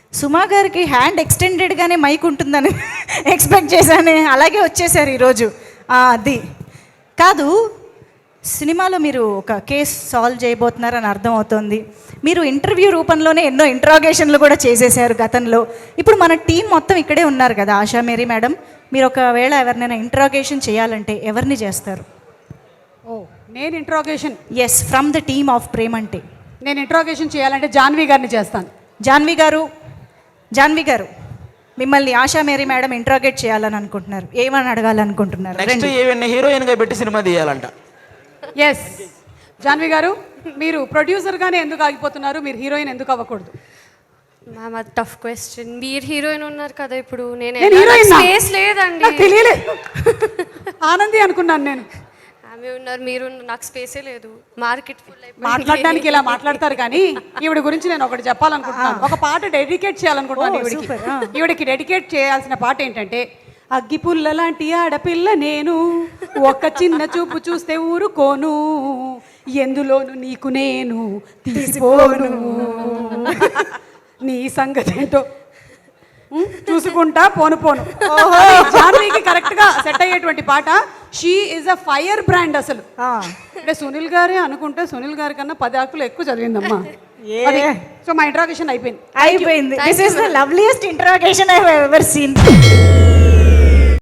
సుమా గారికి హ్యాండ్ ఎక్స్టెండెడ్గానే మైక్ ఉంటుందని ఎక్స్పెక్ట్ చేశాను, అలాగే వచ్చేసారు ఈరోజు. అది కాదు, సినిమాలో మీరు ఒక కేస్ సాల్వ్ చేయబోతున్నారని అర్థమవుతోంది. మీరు ఇంటర్వ్యూ రూపంలోనే ఎన్నో ఇంట్రాగేషన్లు కూడా చేసేసారు గతంలో. ఇప్పుడు మన టీం మొత్తం ఇక్కడే ఉన్నారు కదా, ఆశా మేరీ మేడం. మీరు ఒకవేళ ఎవరినైనా ఇంట్రాగేషన్ చేయాలంటే ఎవరిని చేస్తారు? ఓ, నేను interrogation? Yes, from the team of Premante. నేను ఇంట్రాగేషన్ చేయాలంటే జాన్వి గారిని చేస్తాను. జాన్వి గారు మిమ్మల్ని ఆశా మేరీ మేడం ఇంట్రాగేట్ చేయాలని అనుకుంటున్నారు. ఏమని అడగాలనుకుంటున్నారు? నెక్స్ట్ ఈవెన్ హీరోయిన్గా పెట్టి సినిమా తీయాలంట. ఎస్, జాన్వి గారు, మీరు ప్రొడ్యూసర్గానే ఎందుకు ఆగిపోతున్నారు? మీరు హీరోయిన్ ఎందుకు అవ్వకూడదు? మ్యామ్, అది టఫ్ క్వశ్చన్. మీరు హీరోయిన్ ఉన్నారు కదా ఇప్పుడు. నేను హీరోయిన్ స్పేస్ లేదండి. నాకు తెలియలేదు. ఆనంది అనుకున్నాను నేను. ఆమె ఉన్నారు, మీరు నాకు స్పేసే లేదు. మార్కెట్ ఫుల్ మాట్లాడడానికి ఇలా మాట్లాడతారు, కానీ ఈవిడ గురించి నేను ఒకటి చెప్పాలనుకుంటున్నాను. ఒక పాట డెడికేట్ చేయాలనుకుంటున్నాను ఈవిడికి. ఈవిడికి డెడికేట్ చేయాల్సిన పాట ఏంటంటే, అగ్గిపుల్ల లాంటి ఆడపిల్ల నేను, ఒక్క చిన్న చూపు చూస్తే ఊరుకోను, ఎందులోను నీకు నేను తీసిపోను, నీ సంగతి ఏంటో చూసుకుంటా పోను పోను. జాన్వీకి కరెక్ట్ గా సెట్ అయ్యేటువంటి పాట. She is a fire brand అసలు. అంటే సునీల్ గారే అనుకుంటే సునీల్ గారి కన్నా 10 ఆకులు ఎక్కువ చదివిందమ్మా. సో మా ఇంట్రాగేషన్ అయిపోయింది. This is the loveliest interrogation I have ever scene.